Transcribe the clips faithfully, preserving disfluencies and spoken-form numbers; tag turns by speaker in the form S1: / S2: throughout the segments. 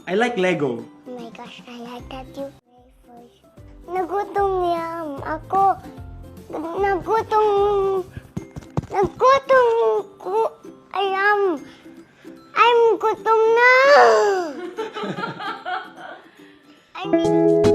S1: I like Lego.
S2: Oh my gosh, I like that you play first. Nagutom yam ako. Nagutom... Nagutom ko. Ayam. I'm gutom na. I mean...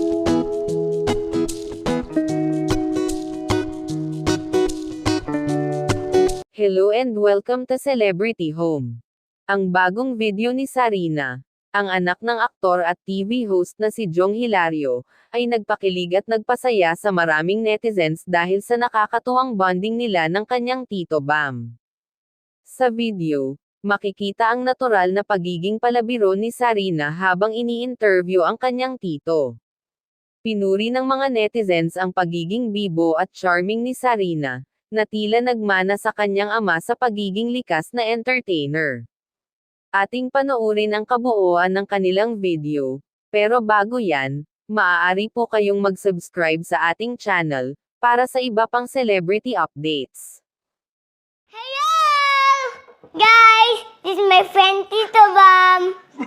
S3: Hello and welcome to Celebrity Home. Ang bagong video ni Sarina, ang anak ng aktor at T V host na si Jong Hilario, ay nagpakilig at nagpasaya sa maraming netizens dahil sa nakakatuwang bonding nila ng kanyang Tito Bam. Sa video, makikita ang natural na pagiging palabiro ni Sarina habang ini-interview ang kanyang tito. Pinuri ng mga netizens ang pagiging bibo at charming ni Sarina, na tila nagmana sa kanyang ama sa pagiging likas na entertainer. Ating panoorin ang kabuuan ng kanilang video, pero bago yan, maaari po kayong mag-subscribe sa ating channel, para sa iba pang celebrity updates.
S2: Hello! Guys, this is my friend Tito Bam.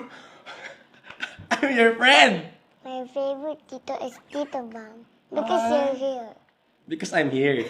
S1: I'm your friend!
S2: My favorite Tito is Tito Bam. Because
S1: Ah.
S2: you're here.
S1: Because I'm here.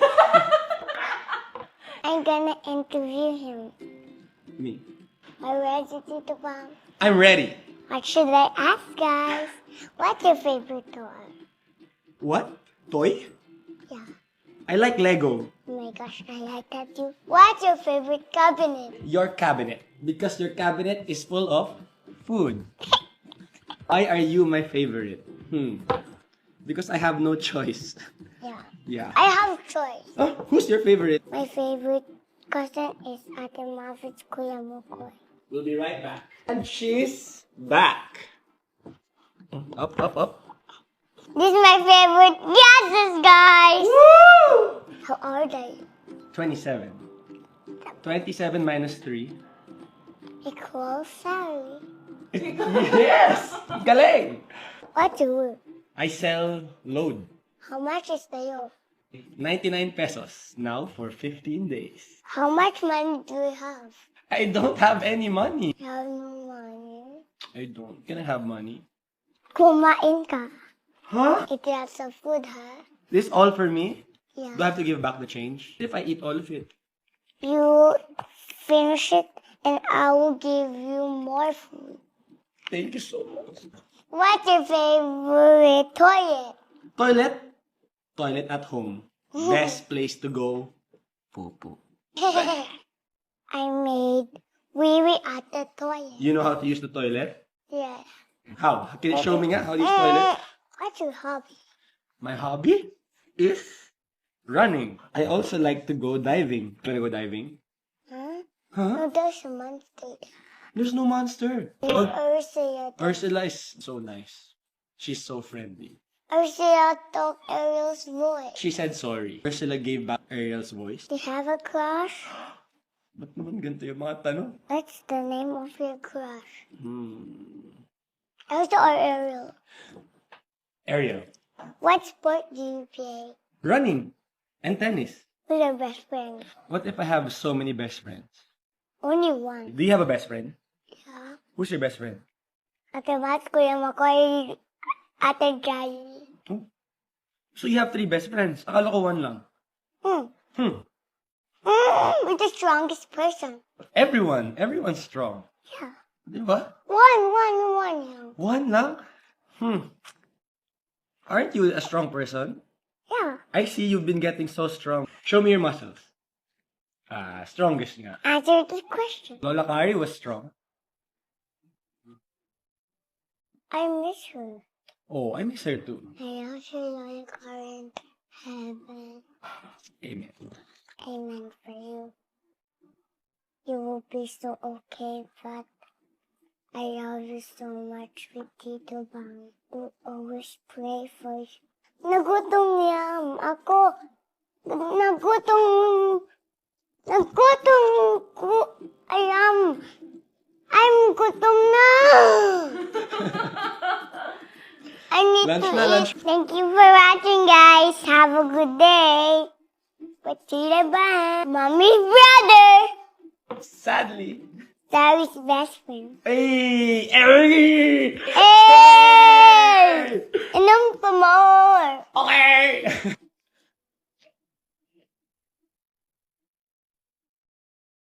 S2: I'm gonna interview him.
S1: Me.
S2: Are you ready, Tito Bam?
S1: I'm ready.
S2: What should I ask, guys? What's your favorite toy?
S1: What? Toy?
S2: Yeah.
S1: I like Lego.
S2: Oh my gosh, I like that too. What's your favorite cabinet?
S1: Your cabinet. Because your cabinet is full of food. Why are you my favorite? Hmm. Because I have no choice.
S2: Yeah.
S1: Yeah.
S2: I have choice.
S1: Oh, who's your favorite?
S2: My favorite cousin is Ate Marvin's Kuya Mukoy.
S1: We'll be right back. And she's back. Up, up, up.
S2: This is my favorite gases, guys. How are they?
S1: twenty-seven. twenty-seven minus three.
S2: Equals Sally.
S1: Yes! Galing!
S2: What do you work?
S1: I sell load.
S2: How much is the yoke?
S1: ninety-nine pesos. Now for fifteen days.
S2: How much money do you have?
S1: I don't have any money.
S2: You have no money.
S1: I don't. Can I have money?
S2: Kumain ka.
S1: Huh?
S2: Eat lots of food, huh?
S1: This all for me?
S2: Yeah.
S1: Do I have to give back the change? If I eat all of it?
S2: You finish it and I will give you more food.
S1: Thank you so much.
S2: What's your favorite toilet?
S1: Toilet? Toilet at home. Best place to go. Poo-poo.
S2: I made wee wee at the toilet.
S1: You know how to use the toilet?
S2: Yes.
S1: How? Can you show me nga how to use toilet?
S2: What's your hobby?
S1: My hobby is running. I also like to go diving. Wanna go diving?
S2: Huh?
S1: Huh?
S2: No, there's a monster.
S1: There's no monster.
S2: There's
S1: Oh,
S2: Ursula.
S1: Ursula is so nice. She's so friendly.
S2: Ursula took Ariel's voice.
S1: She said sorry. Ursula gave back Ariel's voice.
S2: Do you have a crush?
S1: Ba't naman ganito yung mga tanong?
S2: What's the name of your crush?
S1: Hmm.
S2: Elsa or Ariel?
S1: Ariel.
S2: What sport do you play?
S1: Running. And tennis.
S2: Who's your best friend?
S1: What if I have so many best friends?
S2: Only one.
S1: Do you have a best friend?
S2: Yeah.
S1: Who's your best friend?
S2: Ate Mat, Kuya Makoy, Ate Jai.
S1: Oh. So you have three best friends. Akala ko one lang.
S2: Hmm.
S1: Hmm.
S2: Mm, we're the strongest person.
S1: Everyone. Everyone's strong.
S2: Yeah.
S1: Di ba?
S2: One, one, one. yeah.
S1: One lang? Hmm. Aren't you a strong person?
S2: Yeah.
S1: I see you've been getting so strong. Show me your muscles. Ah, strongest nga.
S2: Answer the question.
S1: Lola Kari was strong.
S2: I miss her.
S1: Oh, I miss her too.
S2: I also know the current heaven.
S1: Amen.
S2: Amen for you. You will be so okay, but I love you so much with Tito Bang. We always pray for you. Nagutom yam ako. Nagutom. Nagutom ko. Ayam. I'm gutom na. I need
S1: Lunch
S2: to
S1: na,
S2: eat.
S1: lunch.
S2: Thank you for watching, guys. Have a good day. But Tita Bang, Mommy's brother.
S1: Sadly.
S2: Daddy's best friend.
S1: Hey! Hey!
S2: Hey!